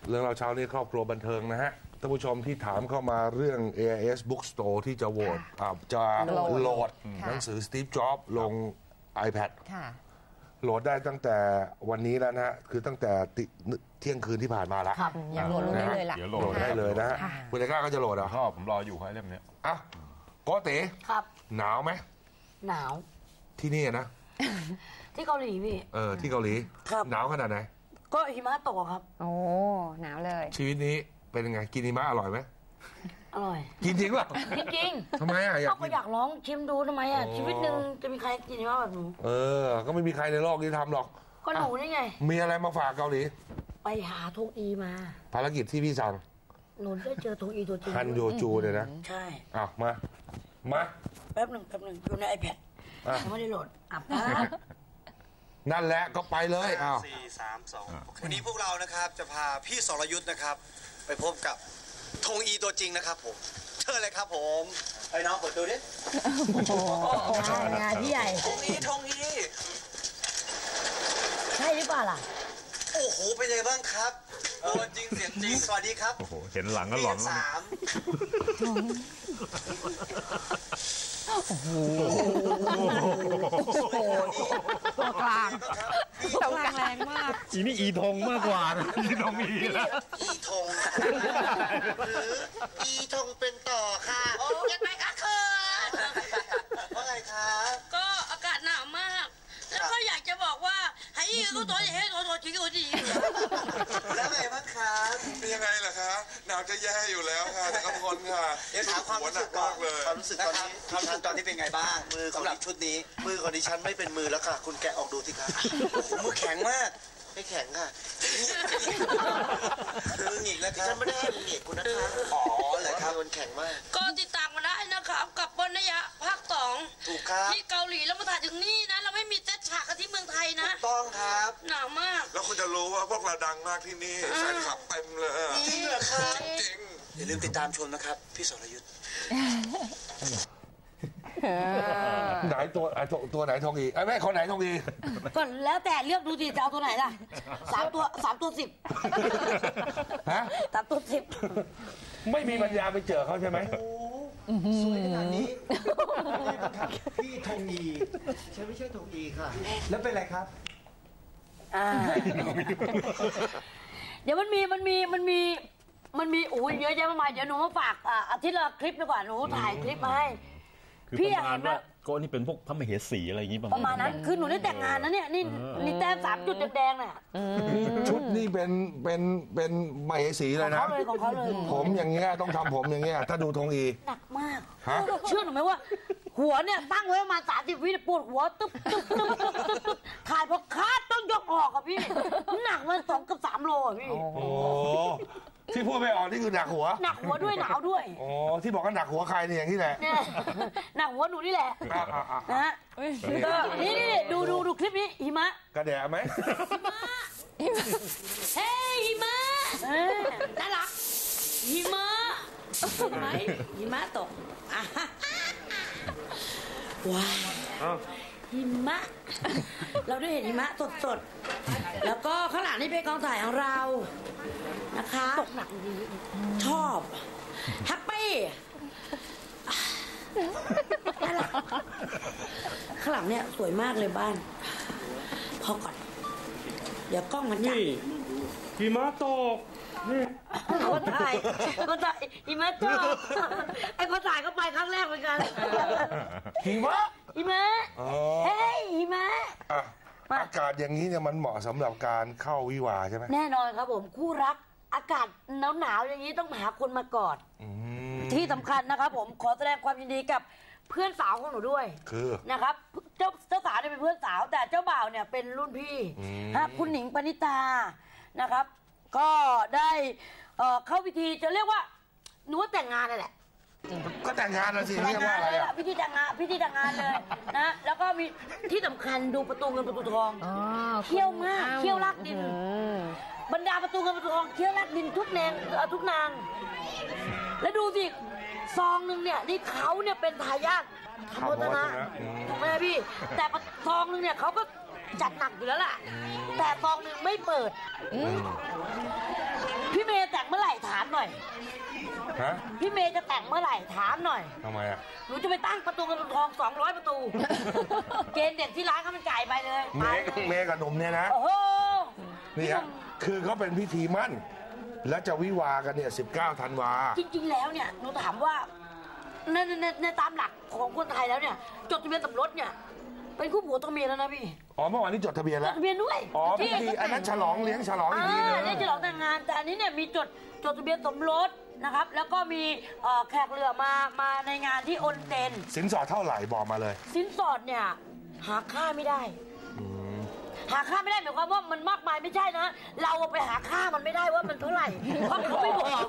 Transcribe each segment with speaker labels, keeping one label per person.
Speaker 1: เรื่องเราเช้านี้ครอบครัวบันเทิงนะฮะท่านผู้ชมที่ถามเข้ามาเรื่อง AIS Bookstore ที่จะโหวตจะโหลดหนังสือ Steve Jobs ลง iPad โหลดได้ตั้งแต่วันนี้แล้วนะฮะคือตั้งแต่เที่ยงคืนที่ผ่านมาแล้ว
Speaker 2: อยากโหลดได้เลยล่ะ
Speaker 1: โหลดได้เลยนะฮะคุณเอกล้าก็จะโหลดอ่ะ
Speaker 3: ผมรออยู่ให้เล่มนี้
Speaker 1: อ่ะโกเต๋
Speaker 4: ครับ
Speaker 1: หนาวไหม
Speaker 4: หนาว
Speaker 1: ที่นี่นะ
Speaker 4: ที่เกาหลีพี่
Speaker 1: ที่เกาหลีหนาวขนาดไหน
Speaker 4: ก็หิมะตกครับ
Speaker 2: โอ้หนาวเลย
Speaker 1: ชีวิตนี้เป็นยังไงกินหิมะอร่อยไหม
Speaker 4: อร่อย
Speaker 1: กินจริงป่ะ
Speaker 4: จริง
Speaker 1: ทำไมอ่ะ
Speaker 4: ก็อยากลองชิมดูทำไมอ่ะชีวิตหนึ่งจะมีใครกินหิมะแบบหนู
Speaker 1: ก็ไม่มีใครในโลกนี้ทำหรอก
Speaker 4: ก็หนูนี่ไง
Speaker 1: มีอะไรมาฝากเกาหลี
Speaker 4: ไปหาทงอีมา
Speaker 1: ภารกิจที่พี่สั่ง
Speaker 4: หนูได้เจอทงอีตัวจริง
Speaker 1: ฮันโยจูเลยนะ
Speaker 4: ใช่
Speaker 1: มา
Speaker 4: แป๊บหนึ่งอยู่ใน iPad ยังไม่ได้โหลด
Speaker 1: นั่นแหละก็ไปเลย
Speaker 5: 4 3 2วันนี้พวกเรานะครับจะพาพี่สรยุทธ์นะครับไปพบกับธงอีตัวจริงนะครับผมเชิญเลยครับผมไอ้น้องเปิดดูดิ
Speaker 4: งานพี่ใหญ่
Speaker 5: ธงอี
Speaker 4: ใช่หรือเปล่าล่ะ
Speaker 5: โอ้โหเป็นยังไงบ้างครับตัวจริงเสียงจริงสวัสดีครับ
Speaker 3: โอ้โหเห็นหลังก็หลอน
Speaker 5: 3
Speaker 2: โอ้โหตัวกลางแรงมาก
Speaker 3: อีนี่อีทงมากกว่าอีทงอีแล้ว
Speaker 5: อีทงหรืออีทงเป็นต่อค่ะ
Speaker 4: ยังไงคะคือ
Speaker 5: ว่าไงคะ
Speaker 4: ก็อากาศหนาวมากแล้วก็อยากจะบอกว่าให้ยืนก็ตัวให้ตัวจริงตัวจริง
Speaker 5: แล้วไงบ้างคะ
Speaker 6: เป็นยังไงล่ะคะหนาวจะแย่อยู่แล้วค่ะแต่ก็ทนค่ะ
Speaker 5: เดี๋ยวถามความรู้สึกก่อนความรู้สึกตอนนี้ตอนนี้เป็นไงบ้างมือสำหรับชุดนี้มือของดิฉันไม่เป็นมือแล้วค่ะคุณแกะออกดูสิคะมือแข็งมากไม่แข็งค่ะมือหงิกแล้วครับฉันไม่ได้หงิกคุณนะคะอ๋อเหรอครับมันแข็งมาก
Speaker 4: ก็ติดตามมาได้นะครับกับบนนยะภาค2
Speaker 5: ถูกครับ
Speaker 4: ที่เกาหลีแล้วมาถ่ายถึงนี่นะเราไม่มีเซตฉากกันที่เมืองไทยนะ
Speaker 5: ถูกต้องครับ
Speaker 4: หนาวมาก
Speaker 6: แล้วคุณจะรู้ว่าพวกเราดังมากที่นี่แฟนคลับเต็มเลย
Speaker 5: จริงเหรอครับจริงอย่าลืมติดตามชมนะครับพี่สรยุทธ์
Speaker 1: ไหนตัวไหนทองอีแม่คนไหนทองอี
Speaker 4: ก็แล้วแต่เลือกดูดิจะเอาตัวไหนล่ะ3 ตัว 10
Speaker 1: ฮะ
Speaker 4: 3 ตัว
Speaker 1: 10ไม่มีปัญญาไปเจอเขาใช่ไหม
Speaker 5: สวยขนาดนี้พี่ทงอีฉันไม่ใช่ทงอีค่ะแล้วเป็นไรครับ
Speaker 4: เดี๋ยวมันมีโอ้ยเยอะแยะมากมายเดี๋ยวหนูมาฝากอาทิตย์ละคลิปดีกว่าหนูถ่ายคลิปมาให้
Speaker 3: พี่อยากเห็นว่าก็นี่เป็นพวกพระมเหสีอะไรอย่างนี้
Speaker 4: ประมาณนั้นคือหนูได้แต่งงานนะเนี่ยนี่แต้ม3 จุดแดงๆน่ะ
Speaker 1: ชุดนี่เป็นมเหสีเลยนะ
Speaker 4: ของเขาเลย
Speaker 1: ผมอย่างเงี้ยต้องทำผมอย่างเงี้ยถ้าดูธงอี
Speaker 4: หนักมากเชื่อหนูไหมว่าหัวเนี่ยตั้งไว้ประมาณ30 วิปวดหัวตึ๊บถ่ายพอคาดต้องยกออกอ่ะพี่หนักมัน2 กับ 3 โลอ่ะพี่
Speaker 1: โอ้ที่พูดไม่ออกนี่คือหนักหัว
Speaker 4: ด้วยหนาวด้วย
Speaker 1: ที่บอกว่าหนักหัวใครเนี่ยอย่างนี้แหละ
Speaker 4: หนักหัวหนูนี่แหละนะฮะนี่ดูคลิปนี้หิมะ
Speaker 1: กระแดะไหม
Speaker 4: เฮ้ยหิมะน่ารักหิมะเห็นไหมหิมะตกว้าวหิมะเราได้เห็นหิมะสดๆแล้วก็ข้างหลังนี่เป็นกองถ่ายของเรานะคะตกหนักดีชอบแฮปปี้ข้างหลังเนี่ยสวยมากเลยบ้านพอก่อนเดี๋ยวกล้องมันจับ
Speaker 3: หิมะตก
Speaker 4: คนถ่ายหิมะตกไอ้คนถ่ายก็ไปครั้งแรกเหมือนกัน
Speaker 1: หิมะ
Speaker 4: เฮ้ยหิมะ
Speaker 1: อากาศอย่างนี้เนี่ยมันเหมาะสำหรับการเข้าวิวาใช่ไหม
Speaker 4: แน่นอนครับผมคู่รักอากาศหนาวอย่างนี้ต้องหาคนมากอดที่สำคัญนะครับผมขอแสดงความยินดีกับเพื่อนสาวของหนูด้วย
Speaker 1: คือ
Speaker 4: นะครับเจ้าสาวเนี่ยเป็นเพื่อนสาวแต่เจ้าบ่าวเนี่ยเป็นรุ่นพี่คุณหนิงปณิตานะครับก็ได้เข้าพิธีจะเรียกว่าหนูว่าแต่งงานนั่นแหละ
Speaker 1: ก็แต่งงานแล้วสิเรียกว่าอะไร
Speaker 4: พิธีแต่งงานเลยนะแล้วก็มีที่สำคัญดูประตูเงินประตูทองเขี้ยวมากเขี้ยวลากดินบรรดาประตูเงินประตูทองเขี้ยวลากดินทุกนางแล้วดูสิซองหนึ่งเนี่ยนี่เขาเนี่ยเป็นทายาทธรรมวัฒนะถูกไหมพี่แต่ซองหนึ่งเนี่ยเขาก็จัดหนักอยู่แล้วล่ะแต่ซองหนึ่งไม่เปิดพี่ามหน่อย
Speaker 1: ฮะ
Speaker 4: พี่เมย์จะแต่งเมื่อไหร่ถามหน่อย
Speaker 1: ทำไมอ่ะ
Speaker 4: หนูจะไปตั้งประตูเงินประตูทอง200 ประตู เกณฑ์เด็กที่ร้านเขามันจ่ายไปเลย
Speaker 1: เมย์กับหนุ่มเนี่ยนะ
Speaker 4: โอ้โห
Speaker 1: นี่ฮะคือเขาเป็นพิธีมั่น และจะวิวากันเนี่ย19 ธันวา
Speaker 4: จริงๆแล้วเนี่ยหนูถามว่าในตามหลักของคนไทยแล้วเนี่ยจดทะเบียนสมรสเนี่ยเป็นคู่ผัวตัวเมียแล้วนะพี่
Speaker 1: อ๋อเมื่อวานนี้จดทะเบียน
Speaker 4: จ
Speaker 1: แล้
Speaker 4: ด
Speaker 1: ว
Speaker 4: ทะเบียนด้วย
Speaker 1: อ๋อพิธีอันนั้นฉลองเลี้ยงฉลองอีกทีนึง
Speaker 4: เลี้ยงฉลองแต่งงานแต่อันนี้เนี่ยมีจดทะเบียนสมรสนะครับแล้วก็มีแขกเรือมาในงานที่โอนเต็น
Speaker 1: สินสอดเท่าไหร่บอกมาเลย
Speaker 4: สินสอดเนี่ยหาค่าไม่ได้หาค่าไม่ได้หมายความว่ามันมากมายไม่ใช่นะ เราไปหาค่ามันไม่ได้ว่ามันเท่าไหร่เพราะเขาไม่บอก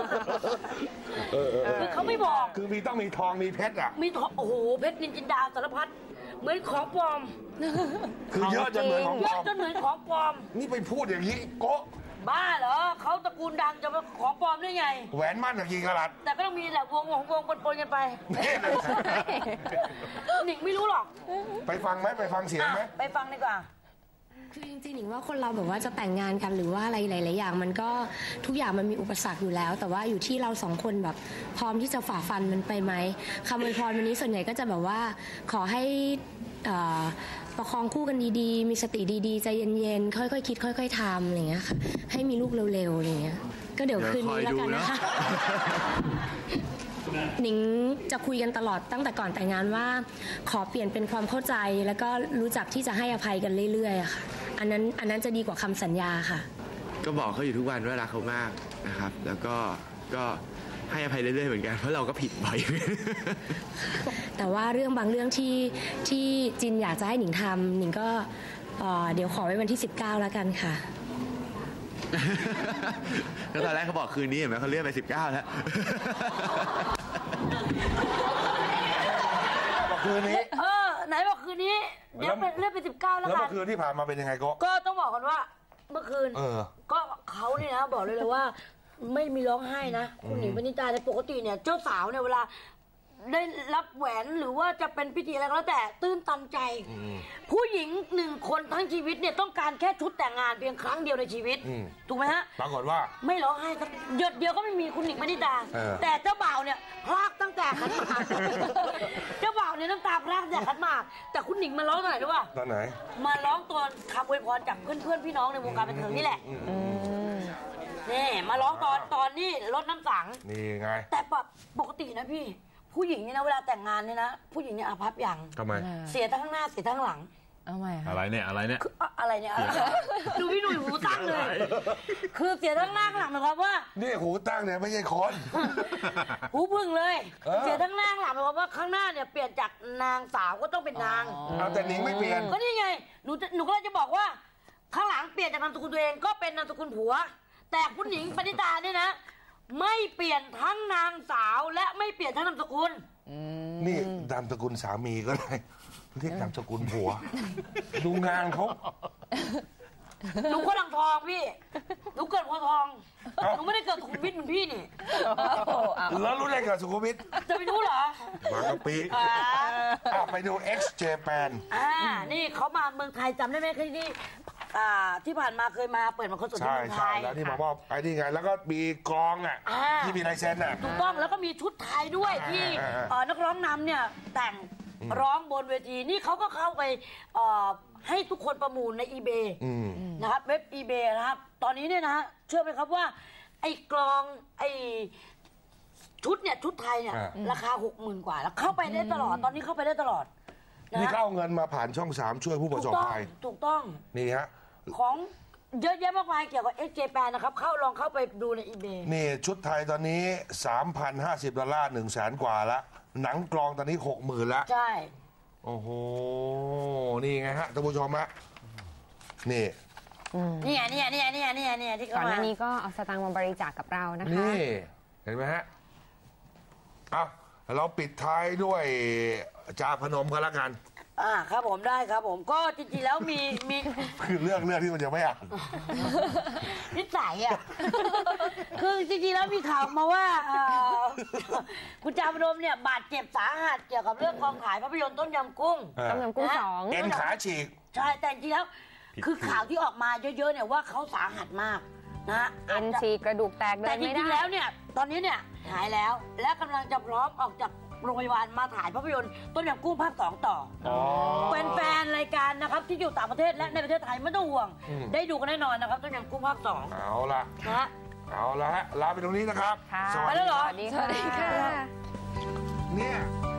Speaker 4: คือเขาไม่บอก
Speaker 1: คือต้องมีทองมีเพชรอ่ะ
Speaker 4: มีทองโอ้โหเพชรนินจินดาสารพัดเหมือนของปลอม
Speaker 1: คือเยอะจนเหมือนของ
Speaker 4: เย
Speaker 1: ปล
Speaker 4: อะ
Speaker 1: อม
Speaker 4: จนเหมือนของปลอม
Speaker 1: นี่ไปพูดอย่างนี้โกะ
Speaker 4: บ้าเหรอเขาตระกูลดังจะมาของปลอมได้ไง
Speaker 1: แหวนมั่นกับกี่กะรัต
Speaker 4: แต่ก็ต้องมีแหละวงปนๆกันไป
Speaker 1: นี่เลย
Speaker 4: หนิงไม่รู้หรอก
Speaker 1: ไปฟังไหมไปฟังเสียงไหม
Speaker 4: ไปฟังดีกว่า
Speaker 7: คือจริงๆหนิงว่าคนเราแบบว่าจะแต่งงานกันหรือว่าอะไรหลายๆอย่างมันก็ทุกอย่างมันมีอุปสรรคอยู่แล้ว แต่ว่าอยู่ที่เราสองคนแบบพร้อมที่จะฝ่าฟันมันไปไหมคำอวยพรวันนี้ส่วนใหญ่ก็จะแบบว่าขอให้ประคองคู่กันดีๆมีสติดีๆใจเย็นๆค่อยๆคิดค่อยๆทำอะไรอย่างเงี้ยค่ะให้มีลูกเร็วๆอะไรอย่างเงี้ยก็เดี๋ยวคืนนี้แล้วกันนะคะ หนิงจะคุยกันตลอดตั้งแต่ก่อนแต่งงานว่าขอเปลี่ยนเป็นความเข้าใจแล้วก็รู้จักที่จะให้อภัยกันเรื่อยๆอะค่ะอันนั้นจะดีกว่าคำสัญญาค่ะ
Speaker 8: ก็บอกเขาอยู่ทุกวันว่ารักเขามากนะครับ แล้วก็ให้อภัยเรื่อยๆเหมือนกันเพราะเราก็ผิดบ่อย
Speaker 7: แต่ว่าเรื่องบางเรื่องที่จินอยากจะให้หนิงทำหนิงก็เดี๋ยวขอไว้วันที่ 19 แล้วกันค่ะ
Speaker 8: ก็ตอนแรกเขาบอกคืนนี้เห็นไหมเขาเลื่อนไป19แล้ว
Speaker 1: บอกคืนนี้
Speaker 4: ไหนบอกคืนนี้เดี๋ยวเลื่อนไป19แล้ว
Speaker 1: แล้ว
Speaker 4: กั
Speaker 1: เมื่
Speaker 4: น
Speaker 1: อคืนที่ผ่านมาเป็นยังไงโกะ
Speaker 4: ก็ต้องบอกกันว่าเมื่อคืนก็เขาเนี่ยนะบอกเลยว่าไม่มีร้องไห้นะคุณหนิงปณิตาในปกติเนี่ยเจ้าสาวเนี่ยเวลาได้รับแหวนหรือว่าจะเป็นพิธีอะไรก็แล้วแต่ตื้นตันใจ ผู้หญิง1 คนทั้งชีวิตเนี่ยต้องการแค่ชุดแต่งงานเพียงครั้งเดียวในชีวิตถูกไหมฮะ
Speaker 1: ปรากฏว่า
Speaker 4: ไม่ร้องไห้สักหยดเดียวก็ไม่มีคุณหนิงปณิตาแต่เจ้าบ่าวเนี่ยพลากตั้งแต่ขันหมาก เจ้าบ่าวเนี่ยน้ำตาพลากตั้งแต่ขันหมากแต่คุณหนิงมาร้องตอนไหนรู้ป่ะ
Speaker 1: ตอนไหน
Speaker 4: มาร้องตอนคำอวยพรจากเพื่อนๆพี่น้องในวงการบันเทิงนี่แหละนี่มาร้องตอนนี้รดน้ำสัง
Speaker 1: นี่ไง
Speaker 4: แต่ปกตินะพี่ผู้หญิงนี่นะเวลาแต่งงานเนี่ยนะผู้หญิงเนี่ยอาภัพอย่าง
Speaker 1: ทำไม
Speaker 4: เสียทั้งข้างหน้าเสียทั้งข้างหลัง
Speaker 2: เอาใหม่ค่ะ
Speaker 3: อะไรเนี่ยอะไรเนี่ย
Speaker 4: คืออะไรเนี่ยดูพี่หนุ่ยหูตั้งเลย คือเสียทั้งหน้าข้างหลังหมายความว่า
Speaker 1: นี่หูตั้งเนี่ยไม่ใช่คน
Speaker 4: หูพึ่งเลย เสียทั้งหน้าข้างหลังหมายความว่าข้างหน้าเนี่ยเปลี่ยนจากนางสาวก็ต้องเป็นนาง
Speaker 1: เอาแต่หนิงไม่เปลี่ยน
Speaker 4: ก็นี่ไงหนูก็เลยจะบอกว่าข้างหลังเปลี่ยนจากนามสกุลตัวเองก็เป็นนามสกุลผัว แต่คุณหญิงปณิตาเนี่ยนะไม่เปลี่ยนทั้งนางสาวและไม่เปลี่ยนทั้งนามสกุล
Speaker 1: นี่นามสกุลสามีก็ได้เรียกนามสกุลผัว ดูงานเขา
Speaker 4: หนูคนอ่างทองพี่หนูเกิดโพธิ์ทองหนูไม่ได้เกิดสุขุมวิทเหมือนพี่นี่
Speaker 1: แล้วรู้ได้กับสุขุมวิท
Speaker 4: จะไปรู้เหรอ
Speaker 1: บางกะปิไปดู X Japan
Speaker 4: นี่เขามาเมืองไทยจำได้ไหมที่นี่ที่ผ่านมาเคยมาเปิดมาคอนเสิร์ตที่
Speaker 1: ใช่
Speaker 4: เมืองไท
Speaker 1: ใช่
Speaker 4: ย
Speaker 1: แล้วที่มาว่าไอ้นี่ไง แล้วก็มีกลองอ่ะที่มีลายเซ็นอ่ะ
Speaker 4: ถูกต้องแล้วก็มีชุดไทยด้วยที่นักร้องนำเนี่ยแต่งร้องบนเวทีนี่เขาก็เข้าไปให้ทุกคนประมูลใน eBay นะครับเว็บ eBay นะครับตอนนี้เนี่ยนะเชื่อไหมครับว่าไอ้กลองไอ้ชุดเนี่ยชุดไทยเนี่ยราคา 60,000 กว่าแล้วเข้าไปได้ตลอดตอนนี้เข้าไปได้ตลอด
Speaker 1: นี่เขาเอาเงินมาผ่านช่อง 3 ช่วยผู้ประสบภัย
Speaker 4: ถูกต้อง
Speaker 1: นี่ฮะ
Speaker 4: ของเยอะแยะมากมายเกี่ยวกับ X Japan นะครับลองเข้าไปดูใน eBay
Speaker 1: นี่ชุดไทยตอนนี้ $3,050 100,000 กว่าละหนังกลองตอนนี้ 60,000แล้ว
Speaker 4: ใช่
Speaker 1: โอ้โห นี่ไงฮะท่านผู้ชมฮะนี่
Speaker 4: นี่ที่
Speaker 2: ก่อน
Speaker 4: เขา
Speaker 2: ห
Speaker 4: มา
Speaker 2: น้านี้ก็เอาสตางค์มาบริจาคกับเรานะคะ
Speaker 1: นี่ เห็นไหมฮะเอาเราปิดท้ายด้วยจาพนมกันละกัน
Speaker 4: ครับผมได้ครับผมก็จริงๆแล้วมี
Speaker 1: คือเรื่องที่มันจะไม่อ่าน
Speaker 4: นิสัยอ่ะ คือจริงๆแล้วมีข่าวมาว่าคุณจาพนมเนี่ยบาดเจ็บสาหัสเกี่ยวกับเรื่องกองถ่ายภาพยนตร์ต้มยำกุ้ง
Speaker 2: ต้มยำกุ้ง 2
Speaker 1: เอ็นขาฉีก
Speaker 4: ใช่แต่จริงๆแล้วคือข่าวที่ออกมาเยอะๆเนี่ยว่าเขาสาหัสมากนะ
Speaker 2: เอ็นฉีกกระดูกแตกเดิ
Speaker 4: แต่
Speaker 2: น
Speaker 4: จ
Speaker 2: ไม่
Speaker 4: ริงๆ
Speaker 2: ได้
Speaker 4: แล้วเนี่ยตอนนี้เนี่ยหายแล้วและกำลังจะพร้อมออกจากโรงพยาบาลมาถ่ายภาพยนตร์ต้มยำกุ้งภาค 2ต่อแฟนๆรายการนะครับที่อยู่ต่างประเทศและในประเทศไทยไม่ต้องห่วงได้ดูกันแน่นอนนะครับต้มยำกุ้งภาค 2
Speaker 1: เอาละ
Speaker 4: นะ
Speaker 1: เอาละฮะลาไปตรงนี้นะครับ
Speaker 2: ค่ะ
Speaker 1: สวัส
Speaker 4: ไปแล้
Speaker 1: ดี
Speaker 4: วเหรอ
Speaker 2: สวัสดีค่ะ
Speaker 1: เนี่ย